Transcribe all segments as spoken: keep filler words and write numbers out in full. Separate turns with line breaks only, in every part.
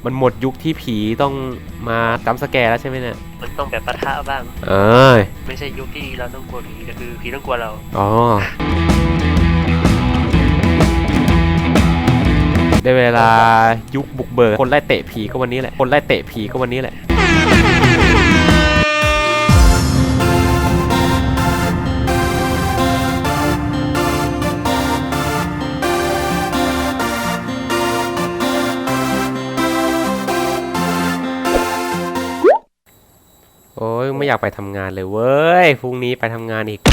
มันหมดยุคที่ผีต้องมาจัมป์สแกร์แล้วใช่ไหมเนี่ย
มันต้องแบบปะทะบ้าง
เออ
ไม่ใช่ยุคที่เราต้องกลัวผีแต่คือผีต้องกลัวเรา
อ๋อได้เวลายุคบุกเบิกคนไล่เตะผีก็วันนี้แหละคนไล่เตะผีก็วันนี้แหละโอ้ยไม่อยากไปทำงานเลยเว้ยพรุ่งนี้ไปทำงานอีก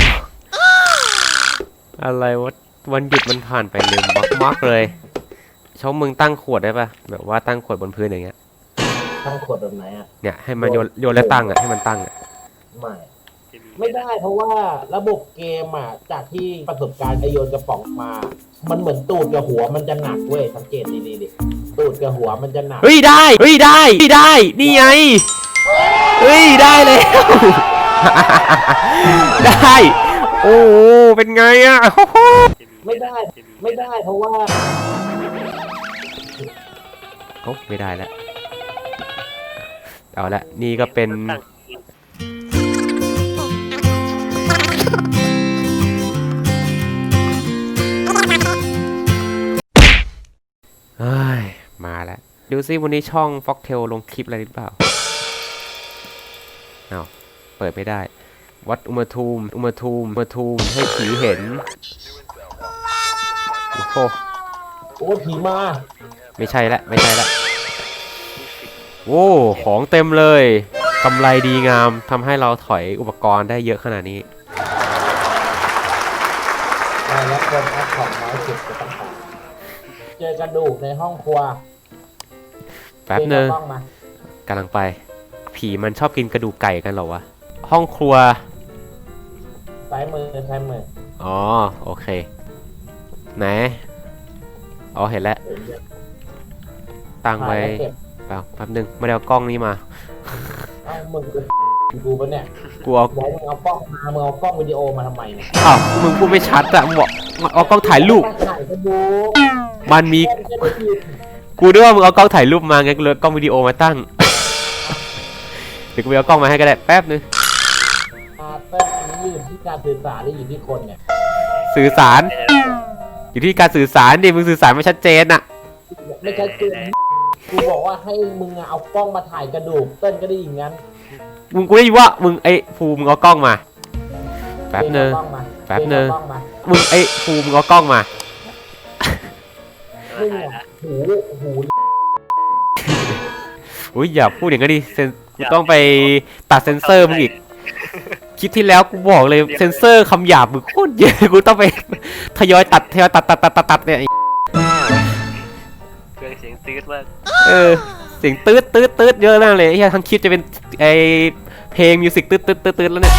อะไรวะวันหยุดมันผ่านไปเร็วมากๆเลยชอบมึงตั้งขวดได้ปะแบบว่าตั้งขวดบนพื้นอย่างเงี้ย
ตั้งขวดแบบไหนอ่ะ
เนี่ยให้มันโยนโยนแล้วตั้งอ่ะให้มันตั้งอ่ะ
ไม่ไม่ได้เพราะว่าระบบเกมอ่ะจากที่ประสบการณ์ไอโยนกระป๋องมา มันเหมือนตูดกับหัวมันจะหนักเว้ยสังเกตดีๆดิตูดกับหัวมันจะหนัก
เฮ้ยได้เฮ้ยได้ได้นี่ไงเฮ้ยได้แล้วได้โอ้เป็นไงอ่ะ
ไม่ได้ไม่ได้เพราะว่า
โอ้ไม่ได้แล้วเอาละนี่ก็เป็นเฮ้ยมาแล้วดูซิวันนี้ช่อง Foxtail ลงคลิปอะไรหรือเปล่าเอาเปิดไม่ได้วัดอุณหภูมิอุณหภูมิอุณหภูมิให้ผีเห็นโอ้โห
โอ้ผีมา
ไม่ใช่ละไม่ใช่ละโอ้ของเต็มเลยกำไรดีงามทำให้เราถอยอุปกรณ์ได้เยอะขนาดนี้
แล้วคนแอปของน้อยสุดจะต้องหาเจอกระดูกในห้องครัว
แป๊บนึงกำลังไปผีมันชอบกินกระดูกไก่กันเหรอวะห้องครัว
ซ้ายมือซ้ายมือ
อ๋อโอเคไหนอ๋อเห็นแล้วตั้งไว้เปล่าแป๊บนึงไม่ได้เอากล้องนี้มา
เอามึงกูปะเนี่ย
กูเอา
มึงเอากล้องมามึงเอากล้องวิดีโอมาทำไมเนี่ย
อ้าวมึงพูดไม่ชัดอะมึงบอกเอากล้องถ่ายรูปมันมีกูด้วยว่ามึงเอากล้องถ่ายรูปมาไงกูเลยกล้องวิดีโอมาตั้งเดี๋ยวกูไปเอากล้องมาให้ก็ได้แป๊บนึง
เต้นอันนี้อยู่ที่การสื่อสารหรืออยู่ที่คนเนี่ย
สื่อสารอยู่ที่การสื่อสารดิมึงสื่อสารไม่ชัดเจนอะ
ไม่ชัดเจนกูบอกว่าให้มึงเอากล้องมาถ่ายกระดูกเต้นก็ได้อย่างนั้น
มึงกูได้ยินว่ามึงไอ้ภูมึงเอากล้องมาแป๊บนึงแป๊บนึงมึงไอ้ภูมึงเอากล้องมา
มึงหูหู
อุ้ยอย่าพูดอย่างนั้นดิเซนกูต้องไปตัดเซนเซอร์มึงอีกคลิปที่แล้วกูบอกเลยเซนเซอร์คำหยาบมึงโคตรเยอะกูต้องไปทยอยตัดทยอยตัดตัดตัดตัดตัดเนี่ย
เครื่องเสียงตืดมาก
เออเสียงตืดตืดตืดเยอะมากเลยไอ้ทั้งคลิปจะเป็นไอเพลงมิวสิกตืดตืดตืดตืดแล้วเนี่ย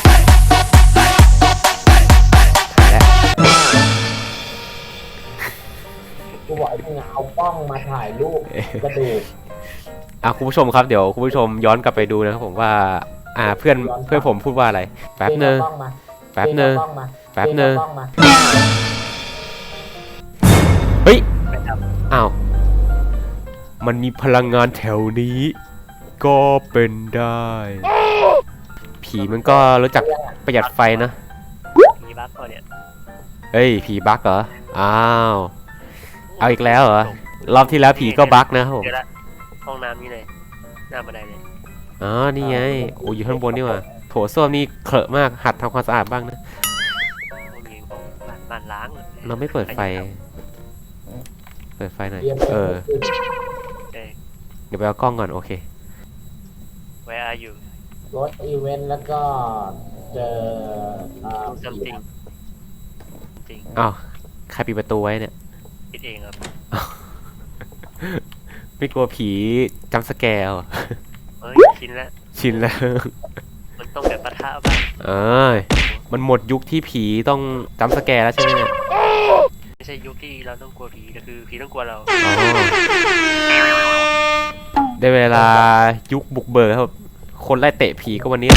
กูบอกให้มึงเอากล้องมาถ่ายรูปกระดูก
อ่ะคุณผู้ชมครับเดี๋ยวคุณผู้ชมย้อนกลับไปดูนะครับผมว่าอ่าเพื่อนเพื่อนผมพูดว่าอะไรแป๊บนึงแป๊บนึงแป๊บนึงเฮ้ยอ้าวมันมีพลังงานแถวนี้ก็เป็นได้ผีมันก็รู้จักประหยัดไฟนะ
ผีบั๊กก่อนเนี่ย
เฮ้ยผีบั๊กเหรออ้าวเอาอีกแล้วเหรอรอบที่แล้วผีก็บั๊กนะครับผม
ห้องน้ำนี่เลยหน้าบันไดเลย
อ๋อนี่ไงโอ้ยอยู่ข้างบนนี่ว่ะโถส้วมนี่เคอะมากหัดทำความสะอาดบ้างนะ
บ้านล้าง
เราไม่เปิดไฟเปิดไฟหน่อยเออเดี๋ยวไปเอากล้องก่อนโอเค
Where are you
รถอีเวนต์แล้วก็เจอ
ซัมติงจริง
อ้าวใครปิดประตูไว้เนี่ย
ปิดเองครับ
ไม่กลัวผีจัมป์สแกร์เหรอ
เฮ้ยชินแล้ว
ชินแล้ว
มันต้องแบบปะทะบ้าง
เออมันหมดยุคที่ผีต้องจัมป์สแกร์แล้วใช่ไหมเนี่ย
ไม่ใช่ยุคที่เราต้องกลัวผีแต่คือผีต้องกลัวเรา
ได้เวลายุคบุกเบิกครับคนไล่เตะผีก็วันนี้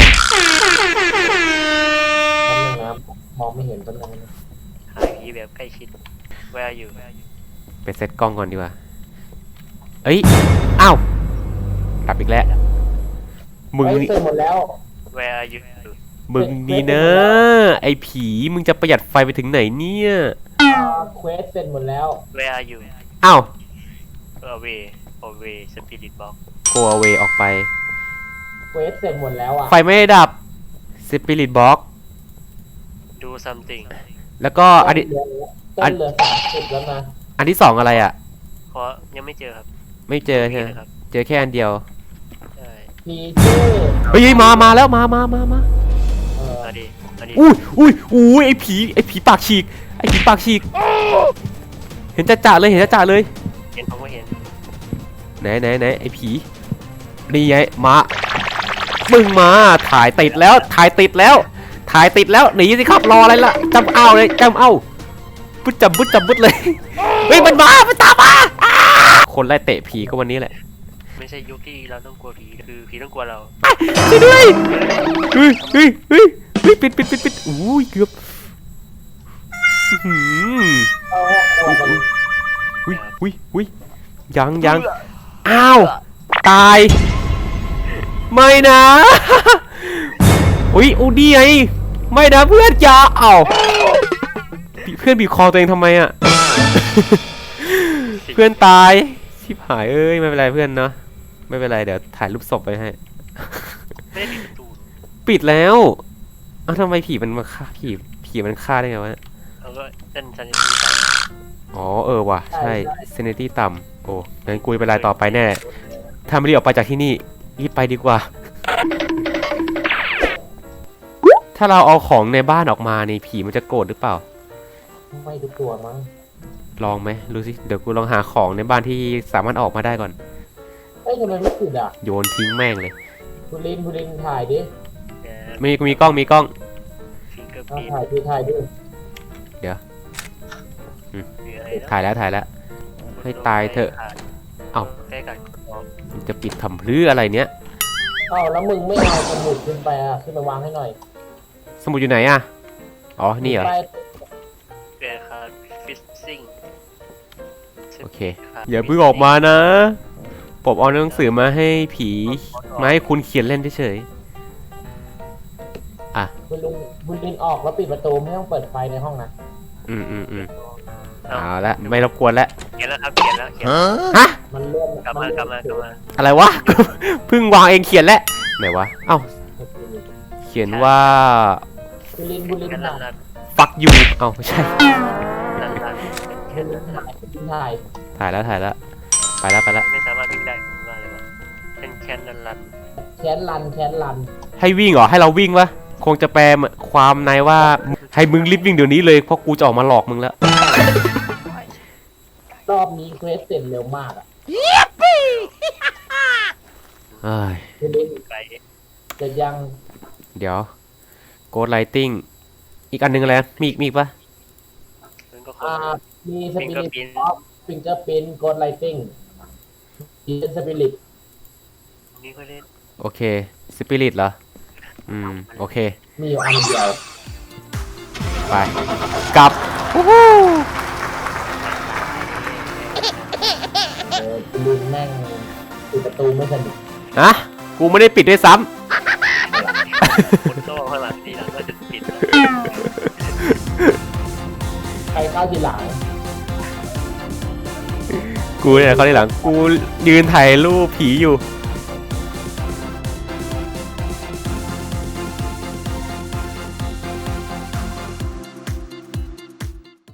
มองไม่เห็นต้นไม้
หายผีแบบใกล้ชิด Where are you
ไปเซตกล้องก่อนดีกว่าเอ้ยอ้าวดับอีกแล้วมึง
เฮ้ย
นี่
เสร็จหมดแล้ว
Where are you
มึงนี่นะไอ้ผีมึงจะประหยัดไฟไปถึงไหนเนี่ย
เควสเสร็จหมดแล้ว
Where are you
อ้าว
Away Away Spirit Box
go away ออกไป
เควสเสร็จหมดแล้วอ่ะ
ไฟไม่ได้ดับ spirit box
Do something
แล้วก็อันนี้
ต้นเหลือสามสิบแล้วนะ
อันที่สองอะไรอ่ะ
เพราะยังไม่เจอครับ
ไม่เจอใช่ไหม
ครับ
เจอแค่อันเดียว
ใช่
พีเจอร์
เฮ้ยมามาแล้วมามามามา
เออ
มาดิมาดิ
อุ้ยอุ้ยอุ้ยไอ้ผีไอ้ผีปากฉีกไอ้ผีปากฉีกเห็นจ่าจ่าเลยเห็นจ่าจ่าเลย
เห็นผมก็เห็น
ไหนไหนไหนไอ้ผีนี่ไงมามึงมาถ่ายติดแล้วถ่ายติดแล้ว ถ่ายติดแล้วหนีสิครับรออะไรล่ะจำเอาเลยจำเอาบึ้ดจำบึ้ดจำบึ้ดเลยเฮ้ยมันมามันตามมาอ้าคนไล่เตะผีก็วันนี้แหละ
ไม่ใช่ยุคที่เราต้องกลัวผีคือผีต้องกลัวเรา
ช่วยด้วยเฮ้ยเฮ้ยเฮ้ยเฮ้ยปิดปิดปิดปิดอุ้ยเกือบอื้อหือ
เอาเอาเอา
อุ้ยอุ้ยอุ้ยยังยังอ้าวตายไม่นะอุ้ยอูดี้ไงไม่นะเพื่อนอย่าเอาเพื่อนบีบคอตัวเองทำไมอ่ะ เพื่อนตายชิบหายเอ้ยไม่เป็นไรเพื่อนเนาะไม่เป็นไรเดี๋ยวถ่ายรูปศพไปให้
ไม่ได้ปิดประตู
ปิดแล้วเอ้าทำไมผีมันมาฆ่าผีผีมันฆ่าได้ไงวะ
เราก็เต้นซันนี่ไป
อ๋อเออว่ะใช่เซนิตี้ต่ำโอ้งั้นกูเป็นไรต่อไปแน่ถ้าไม่รีบออกไปจากที่นี่รีบไปดีกว่า ถ้าเราเอาของในบ้านออกมานี่ผีมันจะโกรธหรือเปล่า
ไม่ทุกตัวมั้ง
ลองไหมดูสิเดี๋ยวกูลองหาของในบ้านที่สามารถออกมาได้ก่อน
เอ้ยทำไมไม่ติดอ่ะ
โยนทิ้งแม่งเลย
คุณลินคุณลินถ่ายดิ
มีมีกล้องมีกล้อง
ฟิงเกอร์
เอา
พิน
ถ่ายดิถ่ายดิ
หรืออะไรนะ
ถ่ายแล้วถ่ายแล้ว ให้ตายเถอะ เอ้า
ใกล้กัน
มันจะปิดทำพลื้ออะไรเนี้ย
เอ้าแล้วมึงไม่เอาสมุดขึ้นไปอ่ะขึ้นไปวางให้หน่อย
สมุดอยู่ไหนอ่ะอ๋อนี่เหรอ
ไป
เกรคาร์ฟิสซิ่ง
โอเคอย่าเพิ่งออกมานะผมเอาหนังสือมาให้ผีมาให้คุณเขียนเล่นเฉยๆอ่ะ
คุณลินคุณลินออกแล้วปิดประตูไม่ต้องเปิดไฟในห้องนะ
อืมอืมอืมเอาละไม่รบกวนแล้ว
เขียนแล้วครับเขียนแล้วเขียน
ฮะ
มันเลื่อน
กลับมากลับมากลับมา
อะไรวะ เพิ่งวางเองเขียนแล้วไหนวะเอ้าเขียนว่า
คุณลินคุณลิน
กัน
ถ่า
ลั
ย
น
fuck you เอ้าไม่ใช่
ลันลัน
คุณลินถ่ายคุณลินถ่าย
ถ่ายแล้วถ่ายแล้วไปแล้วไปแล้ว
ไม่สามารถวิ่งได้ผมว่าเลยวะเป็นแคนลันลัน
แค้นรันแค้นรัน
ให้วิ่งเหรอให้เราวิ่งวะคงจะแปลความในว่าให้มึงรีบวิ่งเดี๋ยวนี้เลยเพราะกูจะออกมาหลอกมึงแล้ว
รอบนี้เควสเสร็จเร็วมากอ่ะ
เอ้ย
คุณลิน
ไกล
เสร็จยัง
เดี๋ยว Ghost Lighting อีกอันหนึงอะไรนะมีอีกมีอีกปะ
มันก็ค
อ่าง มีสปิริต
Fingerprint
ออฟฟิงเกอร์พินโกดไลติ้งมีสปิริต
นี่ก็เล่น
โอเค Spirit เหรอ อืม โอเค
มีอยู่อันเดียว
ไป กลับวู้ฮู้
เออคุณลินแม่งปิดประตูไม่สนิท
ฮะกูไม่ได้ปิดด้วยซ้
คนโต้ข้างหลังทีหลังก็จะปิด
ใครเข้าทีหลัง
ำ กูเนี่ยเขาที่หลัง กูยืนถ่ายรูปผีอยู่